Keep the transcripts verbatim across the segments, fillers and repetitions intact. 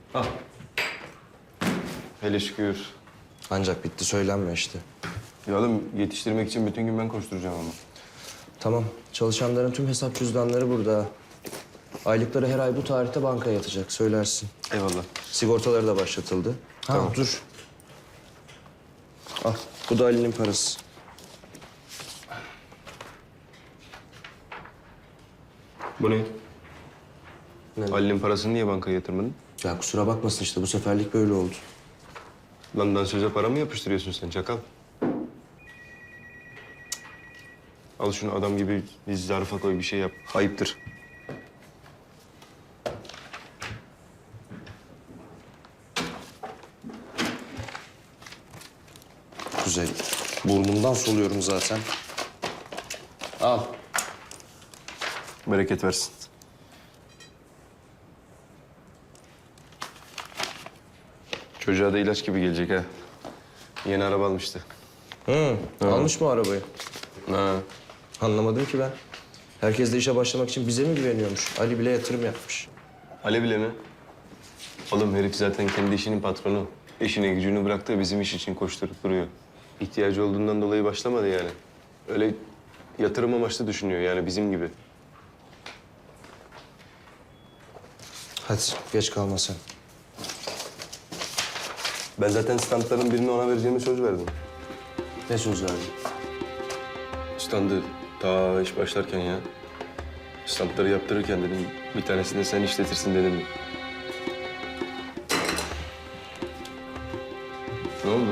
Al. Hele şükür. Ancak bitti söylenme işte. Ya oğlum yetiştirmek için bütün gün ben koşturacağım ama. Tamam. Çalışanların tüm hesap cüzdanları burada. Aylıkları her ay bu tarihte bankaya yatacak. Söylersin. Eyvallah. Sigortaları da başlatıldı. Ha, Tamam. dur. Al. Bu da Ali'nin parası. Bu ne? Ne? Ali'nin parasını niye bankaya yatırmadın? Ya kusura bakmasın işte bu seferlik böyle oldu. Lan dansöze para mı yapıştırıyorsun sen çakal? Al şunu adam gibi bir zarfa koy bir şey yap. Ayıptır. Kuzey, burnumdan soluyorum zaten. Al. Bereket versin. Çocuğa da ilaç gibi gelecek ha. Yeni araba almıştı. Hı, almış mı arabayı? Ha. Anlamadım ki ben. Herkes de işe başlamak için bize mi güveniyormuş? Ali bile yatırım yapmış. Ali bile mi? Oğlum herif zaten kendi işinin patronu. İşini gücünü bıraktı bizim iş için koşturup duruyor. İhtiyacı olduğundan dolayı başlamadı yani. Öyle yatırım amaçlı düşünüyor yani bizim gibi. Hadi geç kalma sen. Ben zaten standların birini ona vereceğimi söz verdim. Ne söz verdin? Standı ta iş başlarken ya. Standları yaptırırken dedim bir tanesini de sen işletirsin dedim. Ne oldu?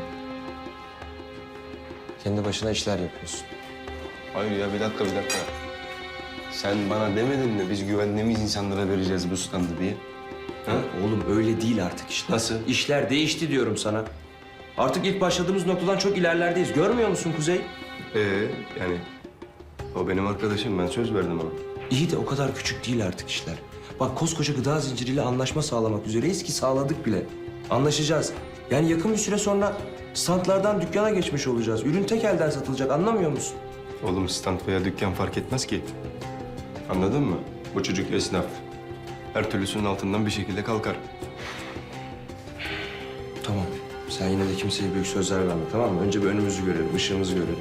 Kendi başına işler yapıyorsun. Hayır ya bir dakika bir dakika. Sen bana demedin mi biz güvendiğimiz insanlara vereceğiz bu standı diye? Ha? Oğlum öyle değil artık işte. Nasıl? İşler değişti diyorum sana. Artık ilk başladığımız noktadan çok ilerlerdeyiz. Görmüyor musun Kuzey? Ee yani o benim arkadaşım ben söz verdim ona. İyi de o kadar küçük değil artık işler. Bak koskoca gıda zinciriyle anlaşma sağlamak üzereyiz ki sağladık bile. Anlaşacağız. Yani yakın bir süre sonra standlardan dükkana geçmiş olacağız. Ürün tek elden satılacak anlamıyor musun? Oğlum stand veya dükkan fark etmez ki. Anladın mı? Bu çocuk esnaf. Her türlüsünün altından bir şekilde kalkar. Tamam. Sen yine de kimseye büyük sözler verme tamam mı? Önce bir önümüzü görelim, ışığımızı görelim.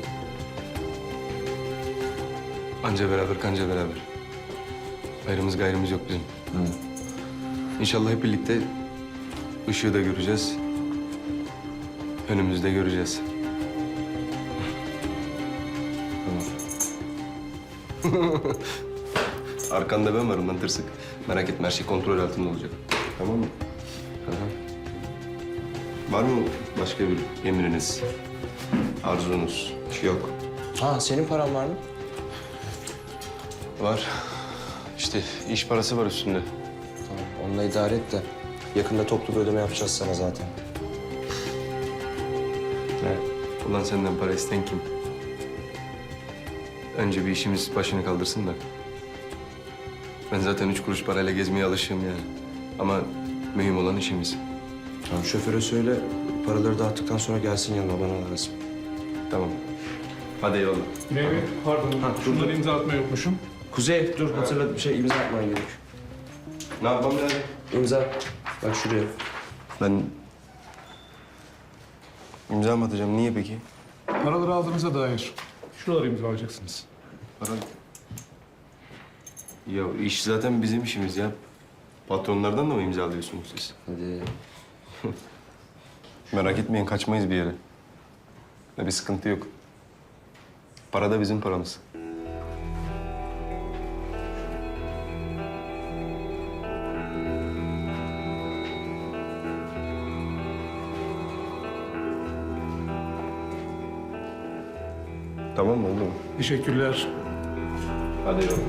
Anca beraber kanca beraber. Ayrımız gayrımız yok bizim. Hı. İnşallah hep birlikte ışığı da göreceğiz. Önümüzde göreceğiz. Tamam. Arkanda ben varım lan tırsık. Merak etme her şey kontrol altında olacak. Tamam mı? Aha. Var mı başka bir emriniz, arzunuz? Yok. Ha senin paran var mı? Var. İşte iş parası var üstünde. Tamam onunla idare et de yakında toplu bir ödeme yapacağız sana zaten. Ne? Ulan senden para isten kim? Önce bir işimiz başını kaldırsın da. Ben zaten üç kuruş parayla gezmeye alışığım yani. Ama mühim olan işimiz. Tamam şoföre söyle paraları dağıttıktan sonra gelsin yanıma bana lazım. Tamam. Hadi eyvallah. Mehmet, pardon. Ha, Şunları imza atma yokmuşum. Kuzey dur hatırla bir şey imza atman gerek. Ne yapmam lazım? İmza. Bak şuraya. Ben imza mı atacağım? Niye peki? Paraları aldığınıza dair. Şuraları imzalayacaksınız. Para... Ya iş zaten bizim işimiz ya. Patronlardan da mı imzalıyorsunuz siz? Hadi. Merak etmeyin kaçmayız bir yere. Ya bir sıkıntı yok. Para da bizim paramız. Tamam mı oldu mu? Teşekkürler. Hadi eyvallah.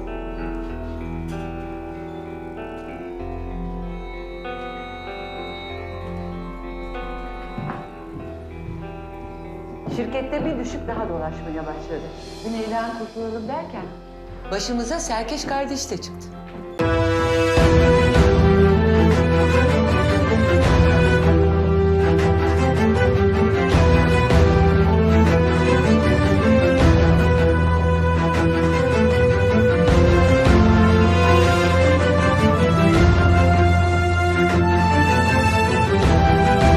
Şirkette bir düşük daha dolaşmaya başladı. Güneyden kurtulalım derken başımıza Serkeş kardeş de çıktı.